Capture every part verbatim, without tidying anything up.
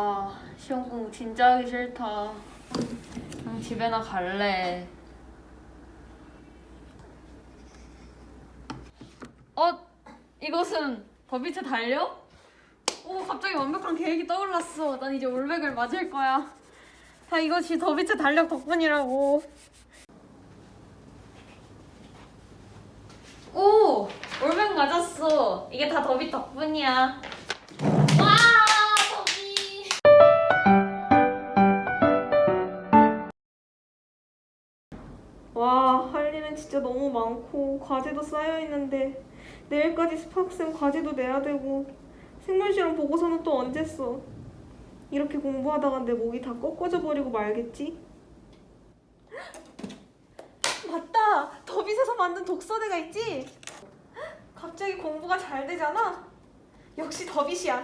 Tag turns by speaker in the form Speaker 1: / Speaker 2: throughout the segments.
Speaker 1: 아, 시험 공부 진짜 하기 싫다. 그냥 집에나 갈래. 어? 이것은 더비트 달려? 오, 갑자기 완벽한 계획이 떠올랐어. 난 이제 올백을 맞을 거야. 다 이것이 더비트 달력 덕분이라고. 오! 올백 맞았어. 이게 다 더비 덕분이야. 와! 더비! 와, 할 일은 진짜 너무 많고 과제도 쌓여있는데 내일까지 스파크쌤 과제도 내야 되고 생물실험 보고서는 또 언제 써? 이렇게 공부하다가 내 목이 다 꺾어져 버리고 말겠지? 맞다! 더빗에서 만든 독서대가 있지? 갑자기 공부가 잘 되잖아? 역시 더빗이야.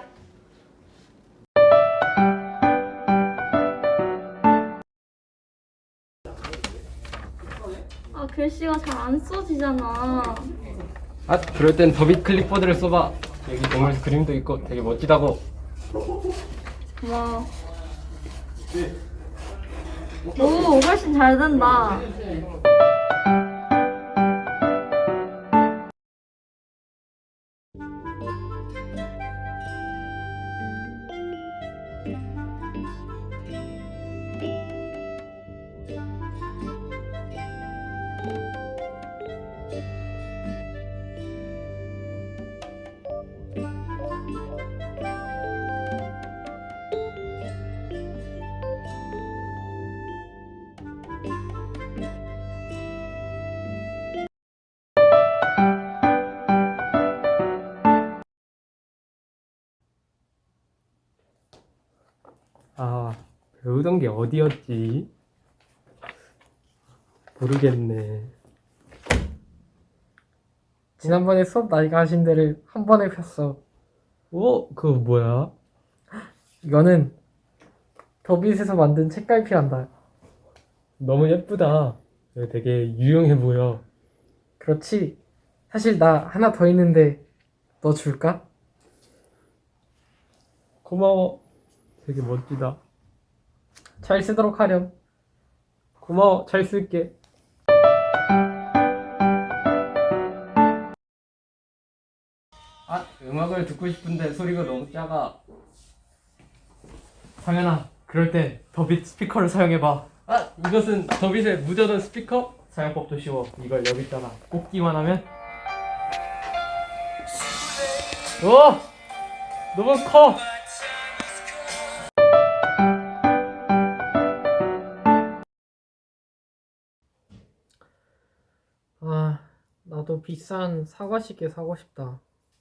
Speaker 2: 아, 글씨가 잘 안 써지잖아.
Speaker 3: 아, 그럴 땐 더빗 클립보드를 써봐. 여기 동물 그림도 있고 되게 멋지다고.
Speaker 2: 고마워. 오, 훨씬 잘 된다.
Speaker 3: 아, 배우던 게 어디였지? 모르겠네. 지난번에 수업 나이가 하신 데를 한 번에 폈어. 오, 그거 뭐야? 이거는 더빗에서 만든 책갈피란다. 너무 예쁘다. 이거 되게 유용해 보여. 그렇지. 사실 나 하나 더 있는데 너 줄까? 고마워. 되게 멋지다. 잘 쓰도록 하렴. 고마워. 잘 쓸게. 아, 음악을 듣고 싶은데 소리가 너무 작아. 상현아, 그럴 땐 더빗 스피커를 사용해봐. 아, 이것은 더빗의 무전원 스피커? 사용법도 쉬워. 이걸 여기다가 꽂기만 하면 오! 너무 커! 아, 나도 비싼 사과시계 사고 싶다.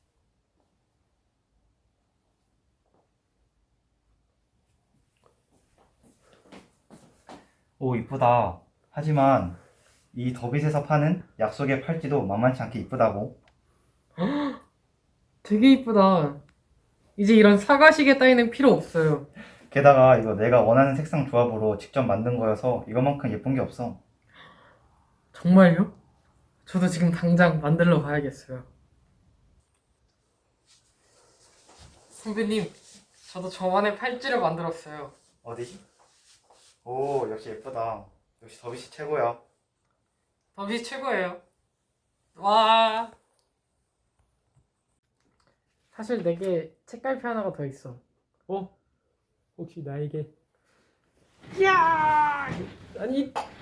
Speaker 4: 오, 이쁘다. 하지만 이 더빗에서 파는 약속의 팔찌도 만만치 않게 이쁘다고.
Speaker 3: 되게 이쁘다. 이제 이런 사과시계 따위는 필요 없어요.
Speaker 4: 게다가 이거 내가 원하는 색상 조합으로 직접 만든 거여서 이거만큼 예쁜 게 없어.
Speaker 3: 정말요? 저도 지금 당장 만들러 가야겠어요. 선배님, 저도 저만의 팔찌를 만들었어요.
Speaker 4: 어디지? 오, 역시 예쁘다. 역시 더빗이 최고야.
Speaker 3: 더빗 최고예요. 와. 사실 내게 책갈피 하나가 더 있어. 어? 혹시 나에게? 야! 아니